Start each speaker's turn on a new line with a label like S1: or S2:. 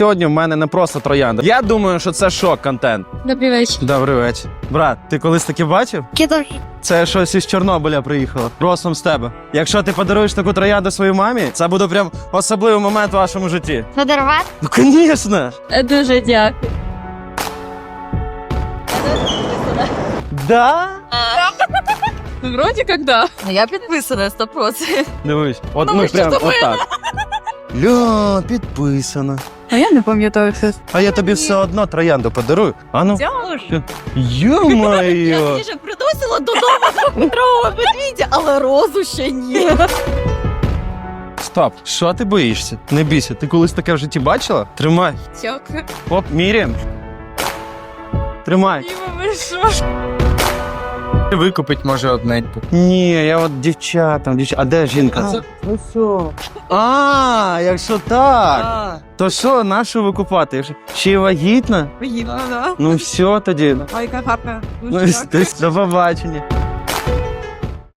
S1: Сьогодні в мене не просто троянда. Я думаю, що це шок-контент.
S2: Добрий вечір.
S1: Добрий вечір. Брат, ти колись таке бачив?
S2: Кидав.
S1: Це щось із Чорнобиля приїхало. Росом з тебе. Якщо ти подаруєш таку троянду своїй мамі, це буде прям особливий момент в вашому житті.
S2: Подарувати?
S1: Ну, звісно!
S2: Дуже дякую.
S1: Да?
S2: Вроді як да.
S3: Я підписана 100%.
S1: Дивись, от
S3: Ну,
S1: ну
S3: ви що
S1: прям
S3: думаєте?
S1: отак. Ля, підписано.
S2: А я не пам'ятаю щось.
S1: А я тобі все одно троянду подарую. А ну.
S3: Дякую.
S1: Ё-моё!
S3: Я вже приносила додому двохметрового медведя, але розу ще ні.
S1: Стоп, що ти боїшся? Не бійся, ти колись таке в житті бачила? Тримай.
S3: Дякую.
S1: Оп, міряємо. Тримай.
S3: Ви що?
S4: Викупить може одненьку.
S1: Ні, я от дівчатам, А де жінка? Ну що? А, якщо так, то що, нашу викупати? Якщо ще й вагітна?
S3: Вагітна, да.
S1: Ну все тоді.
S3: Ой, яка гарна.
S1: Ну, до побачення.